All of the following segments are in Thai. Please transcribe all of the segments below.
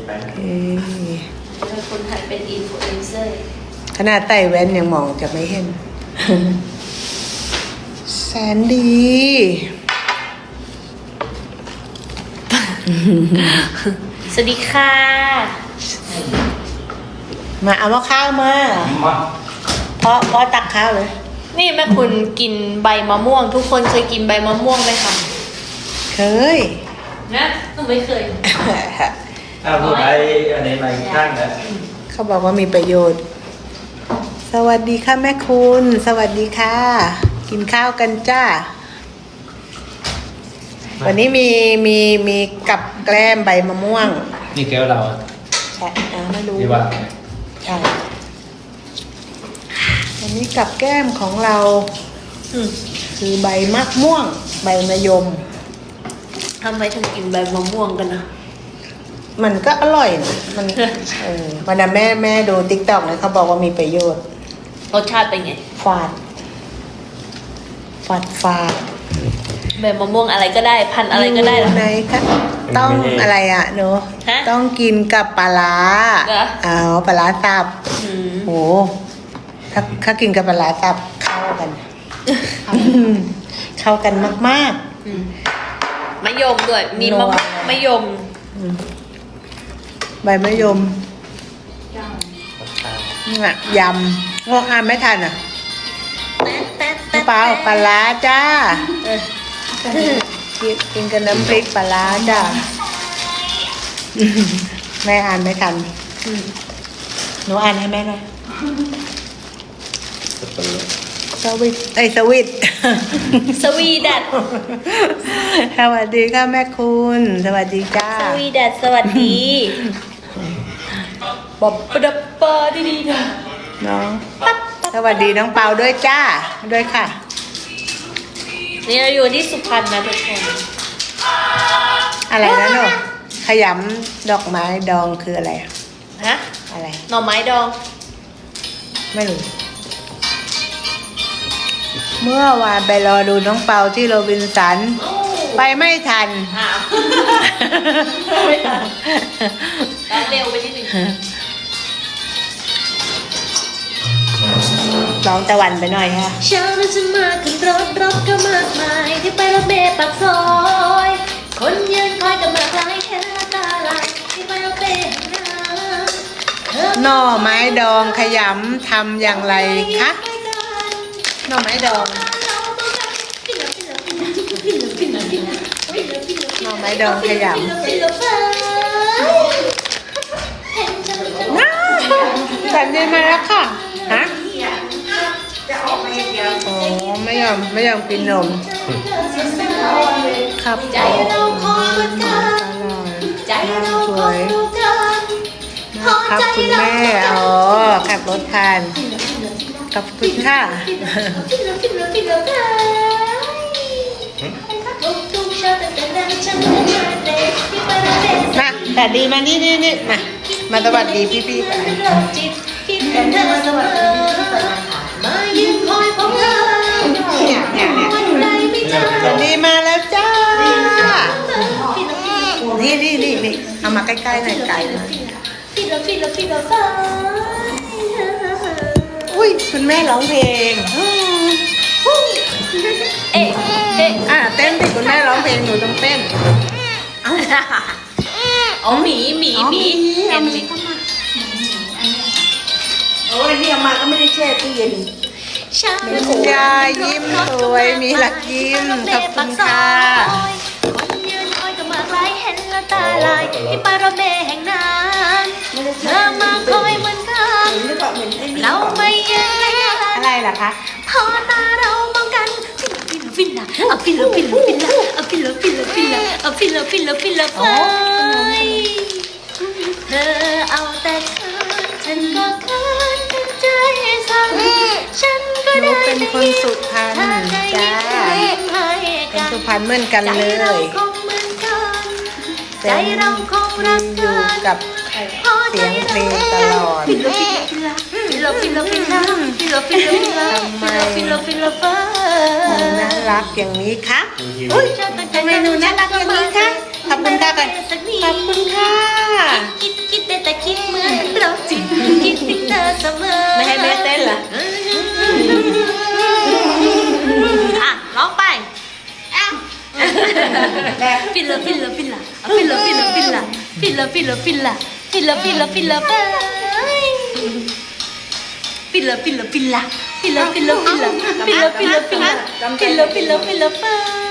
ไปคนไทยเป็นอินฟลูเอนเซอร์ขนาดใส่แว่นยังมองจะไม่เห็น แสนดีสวัสดีค่ะมาเอาข้าวมาเพราะตักข้าวเลยนี่แม่คุณกินใบมะม่วงทุกคนเคยกินใบมะม่วงไหมคะเคยนะหนูไม่เคยพูดไปอันนี้มาข้างนะเขาบอกว่ามีประโยชน์สวัสดีค่ะแม่คุณสวัสดีค่ะกินข้าวกันจ้าวันนี้มีกับแกล้มใบมะม่วงนี่แก้วเราใช่ไม่รู้ที่ว่าใช่วันนี้กับแก้มของเราคือใบมะม่วงใบมะยมทำไมถึงกินใบมะม่วงกันนะมันก็อร่อยนะมันวันนั้นแม่ดูติ๊กต็อกเลยเขาบอกว่ามีประโยชน์รสชาติเป็นไงฝาดใบมะม่วงอะไรก็ได้พันอะไรก็ได้ไหนคะต้องอะไรอ่ะหนูต้องกินกับปลาร้าปลาร้าสับโอ้ถ้ากินกับปลาร้าสับเข้ากันเข้ากันมากๆมะยมด้วยมีมะยมใบมะยมยำงงอ่านไม่ทันอ่ะเปล่าปลาร้าจ้ากินกับน้ำพริกปลาร้าจ้าแม่อ่านไม่ทันหนูอ่านให้แม่หน่อยสวีดัดสวัสดีค่ะแม่คุณสวัสดีจ้าสวีดัดสวัสดีบ๊อบดับปาดีๆนะน้องสวัสดีน้องเปาด้วยจ้าด้วยค่ะนี่เราอยู่ที่สุพรรณนะทุกคนอะไรนะหนูขยำดอกไม้ดองคืออะไรฮะอะไรหน่อไม้ดองไม่รู้เมื่อวานไปรอดูน้องเปาที่โรบินสันไปไม่ทันเร็วไปนิดนึงร้องตะวันไปหน่อยค่ะเช้านั้นฉันมาขึ้นรถก็มากมายที่ไปรถเมล์ปากซอยคนยืนคอยกับมากลายเห็นละตาลายที่ไปรถเมล์หน่อไม้ดองขยำทำอย่างไรคะหน่อไม้ดองหน่อไม้ดองขยำสันดีมาแล้วค่ะฮะอ๋อไม่ยอมกินนมครับใจเราคอยเหมือนกันใจเราคอยดูกันครับคุณแม่อ๋อขับรถทานขอบคุณค่ะมาแต่ดีมานี่มาสวัสดีพี่ๆกันเนี่ยแต่ดีมาแล้วจ้านี่เอามาใกล้ๆหน่อยไก่อุ้ยคุณแม่ร้องเพลงเต้นดิคุณแม่ร้องเพลงหนูต้องเต้นอ๋อหมีเห็นหมีโอ้ยนี่เอามาก็ไม่ได้แช่ตู้เย็นมีคุณยายยิ้มสวยมีหลักยิ้มขอบคุณค่ะยืนคอยกับมากลายเห็นละตาลายที่ปารถเมล์แห่งนั้นเธอมาคอยเหมือนกันเราไม่แยกอะไรล่ะคะพอตาเรามองกันฟินละฟินละเธอเอาแต่ฉันก็คืนใจสั่งฉันก็ได้เป็นคนสุพรรณจ้าเป็นสุพรรณเหมือนกันเลยใจเราคงรักอยู่กับเสียงเพลงตลอดทำไมน่ารักอย่างนี้คะทำไมหนูน่ารักอย่างนี้คะขอบคุณค่ะกันขอบคุณค่ะฟิลละฟิลละฟิลละฟิลละฟิลละฟิลละไปฟิลละฟิลละฟิลละฟิลละฟิลละฟิลละฟิลละฟิลละฟิลละฟิลละฟิลละฟิลละไป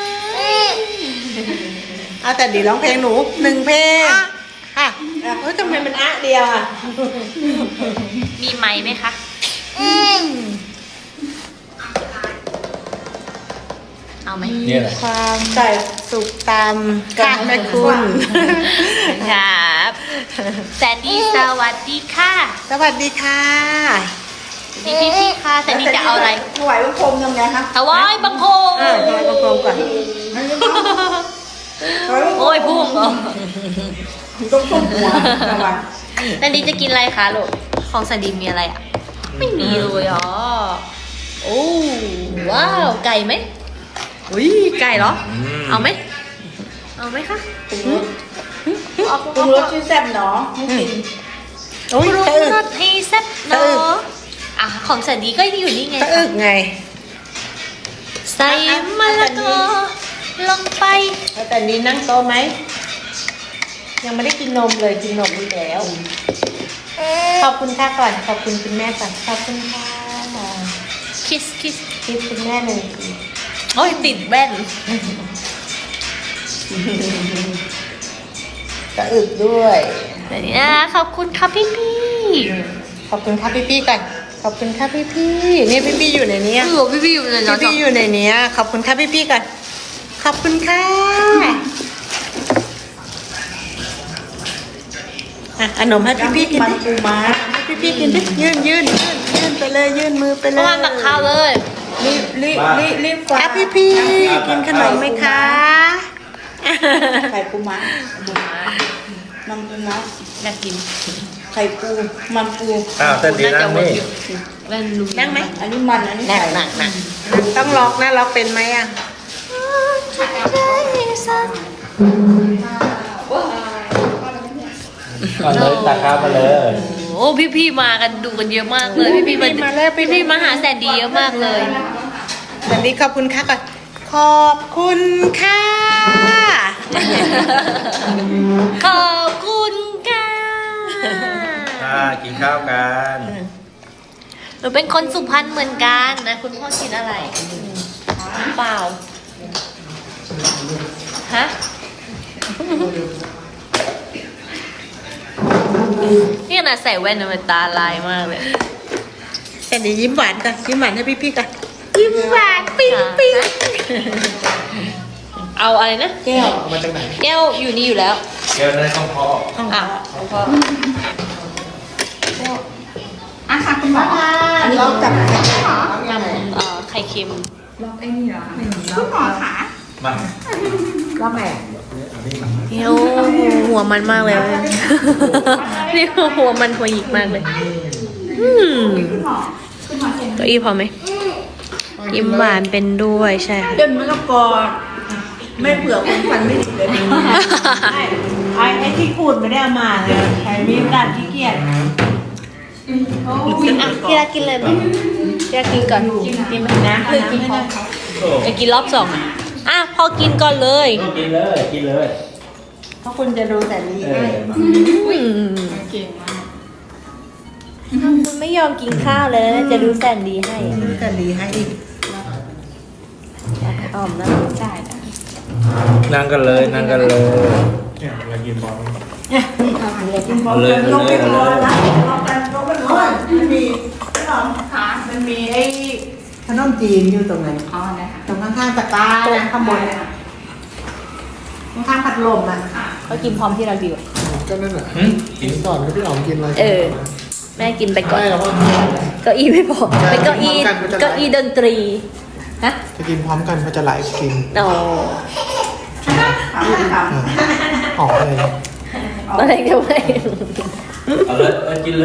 เอาแต่ดีร้องเพลงหนู1 เพลงค่ะเฮ้ยทำไมมันเดียวอ่ะมีไหมไหมคะเอาไหมเนี่ยแหละความสุขตามค่ะแม่คุณครับแซนดี้สวัสดีค่ะสวัสดีค่ะพี่ค่ะแซนดี้จะเอาอะไรถวายบังคมทำไงคะถวายบังคมถวายบังคมก่อนโอ้ยพุ่งเหรอต้องต้มหัวระวังแซนดี้จะกินอะไรคะลูกของแซนดี้มีอะไรอ่ะไม่มีเลยอ๋อโอ้ว้าวไก่ไหมอุ้ยไก่เหรอเอาไหมเอาไหมคะปรุงรสชื่อแซ่บเนาะไม่กินโอ้ยปรุงตะอึกรสให้แซ่บเนาะอ่ะของแซนดี้ก็อยู่นี่ไงตะอึกไงใส่มะละกอลงไปแล้วแต่นี้นั่งโต๊ะไหมยังไม่ได้กินนมเลยกินนมไปแล้ว ขอบคุณค่ะก่อนขอบคุณคุณแม่ก่อนขอบคุณค่ะคิสคิดคุณแม่หนึ่งโอ้ยติดแว่นตะอึกด้วยเดี๋ยวนี้นะขอบคุณค่ะพี่ขอบคุณค่ะพี่ๆก่อนขอบคุณค่ะพี่ๆนี่พี่ๆอยู่ในนี้โอ้พี่อยู่เลยเนาะพี่ๆอยู่ในนี้ขอบคุณค่ะพี่ๆก่อนขอบคุณค่ะอ่ะขนมให้พี่ๆกินมันดิปูม้าให้พี่ๆกินดิยื่นไปเลยยื่นมือไปเลเพราะยว่าตักข้าวเลยรีบกว่าอ่ะพี่ๆกินขนมไหมคะไข่ปูม้ามันปูม้าอยากกินไข่ปูมันปูอ้าวแต่ดีนั่งนี่แว่นลุงนั่งไหมอันนี้มันอันนี้หนักไข่หนักหนักต้องล็อกนะล็อกเป็นไหมอ่ะก่อนเลยตักข้าวมาเลยโอ้พี่มากันดูกันเยอะมากเลยพี่มาแล้วพี่มาหาแสนดีเยอะมากเลยวันนี้ขอบคุณค่ะก่อนขอบคุณค่ะขอบคุณค่ะกินข้าวกันหนูเป็นคนสุพรรณเหมือนกันนะคุณพ่อกินอะไรเปล่าฮะนี่ขนาดใส่แว่นนะมันตาลายมากเลยแต่เดี๋ยวยิ้มหวานก่อนยิ้มหวานให้พี่ๆก่อนยิ้มหวานปิ๊งปิ๊งเอาอะไรนะแก้วมาจากไหนแก้วอยู่นี่อยู่แล้วเดี๋ยวนั่นต้องพออ่ะของพ่ออ่ะค่ะคุณหมออันนี้จับยำไข่เค็มคุณหมอขามาว่าไงเดี๋ยวหัวมันมากเลยนี่หัวมันหัวหยิกมากเลยเก้าอี้พอไหมยิ้มหวานเป็นด้วยใช่ค่ะเดินมะละกอไม่เผื่อคนฟันไม่ดีเลยไอ้ที่ขูดไม่ได้เอามาเลยใช้มีดดัดที่เกียจอ่ะพี่รักกินเลยไหมพี่รักกินก่อนกินไหมนะกินพอจะกินรอบสองอ่ะพอกินก่อนเลยกินเลยกินเลยเพราะคุณจะดูแต่นี้คุณไม่ยอมกินข้าวเลยจะดูแสนดีให้แต่ดีให้อีกอ้อมนะใช่นั่งกันเลยนั่งกันเลยเอาเลยลงไปเอารอเลยนะลงไปรอมันมีมันมีไอ้ขนมจีนอยู่ตรงไหนอ๋อนะคะตรงข้างๆตะกร้านะข้างบนน่ะข้างๆพัดลมอ่ะเขากินพร้อมที่เราดีกว่าก็นั่นแหละกินก่อนแล้วพี่อ๋อมกินอะไรแม่กินไปก่อนไม่เราก็เก้าอี้ไม่พอเป็นเก้าอี้ดนตรีฮะจะกินพร้อมกันมันจะไลฟ์กินอ๋อออกเลยอะไรกันไม่เอาเลยกินเลย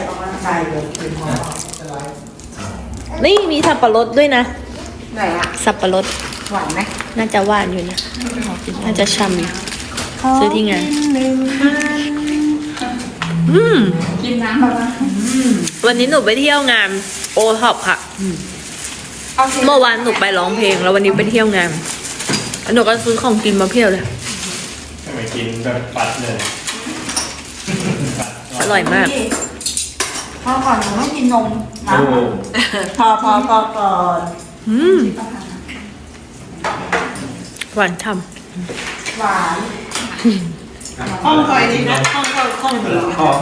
นี่มีสับปะรดด้วยนะไหนอ่ะสับปะรดหวานไหมน่าจะหวานอยู่นะน่าจะช่ำอยู่ซื้อที่งานกินน้ำมาบ้างวันนี้หนูไปเที่ยวงานโอท็อปค่ะ เมื่อวานหนูไปร้องเพลง แล้ววันนี้ไปเที่ยวงานหนูก็ซื้อของกินมาเพียบเลยทำไมกินแบบปัดเลยฮร่อยมากพอก่อนหนูต้องกินนมนะโอ้พอก่อนหวานฉ่หวานห้องคอยดีนะห้องดีขอ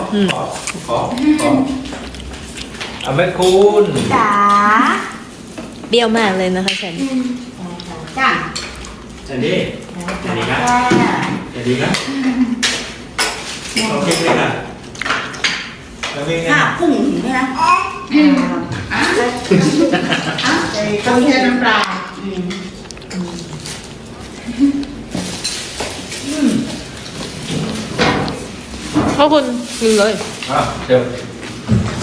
เอาแม่คุณจ๋าำเปรี้ยวมากเลยนะคะแซนดี้จ้าอันนี้อันนี้นะจ้าอันนี้นะโอเคเลยนะแล้วมีไงข้าพุ่งอย่างนี้นะต้องใช้น้ำปลาขอบคุณกินเลยอ่ะเดี๋ยว